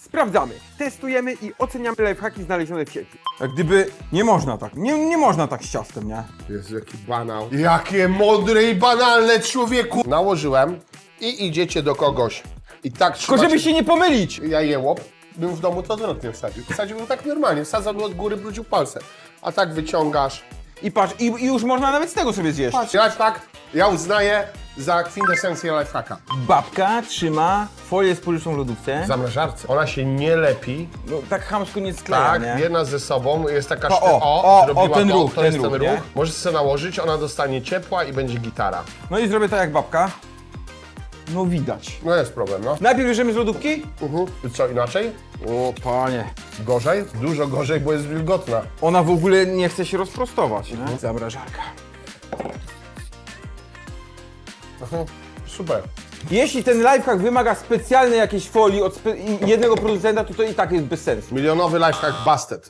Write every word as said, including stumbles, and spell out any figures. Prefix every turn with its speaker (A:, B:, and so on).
A: Sprawdzamy, testujemy i oceniamy lifehacki znalezione w sieci.
B: Jak gdyby nie można tak, nie, nie można tak z ciastem, nie?
C: Jezu, jaki banał. Jakie mądre i banalne, człowieku! Nałożyłem i idziecie do kogoś. I tak
B: Tylko
C: trzymacie...
B: żeby się nie pomylić!
C: Ja jełop, bym w domu to odwrotnie wsadził. Wsadziłbym tak normalnie, wsadzał od góry, brudził palce. A tak wyciągasz.
B: I patrz, i, i już można nawet z tego sobie zjeść.
C: Patrz, lifehack ja uznaję za kwintesencję lifehacka.
B: Babka trzyma folię spożywczą w lodówce.
C: W zamrażarce. Ona się nie lepi.
B: No, tak chamsko nie skleja,
C: Tak,
B: nie?
C: jedna ze sobą, jest taka
B: O,
C: szty...
B: o,
C: o,
B: o,
C: zrobiła
B: o, ten
C: to,
B: ruch,
C: to
B: ten
C: jest
B: ruch,
C: ten
B: nie?
C: ruch. Możesz sobie nałożyć, ona dostanie ciepła i będzie gitara.
B: No i zrobię tak jak babka. No widać.
C: No jest problem, no.
B: Najpierw bierzemy z lodówki?
C: Mhm. I co, inaczej?
B: O panie.
C: Gorzej? Dużo gorzej, bo jest wilgotna.
B: Ona w ogóle nie chce się rozprostować, nie? Zamrażarka.
C: Aha. Super.
B: Jeśli ten lifehack wymaga specjalnej jakiejś folii od spe jednego producenta, to to i tak jest bez sensu.
C: Milionowy lifehack busted.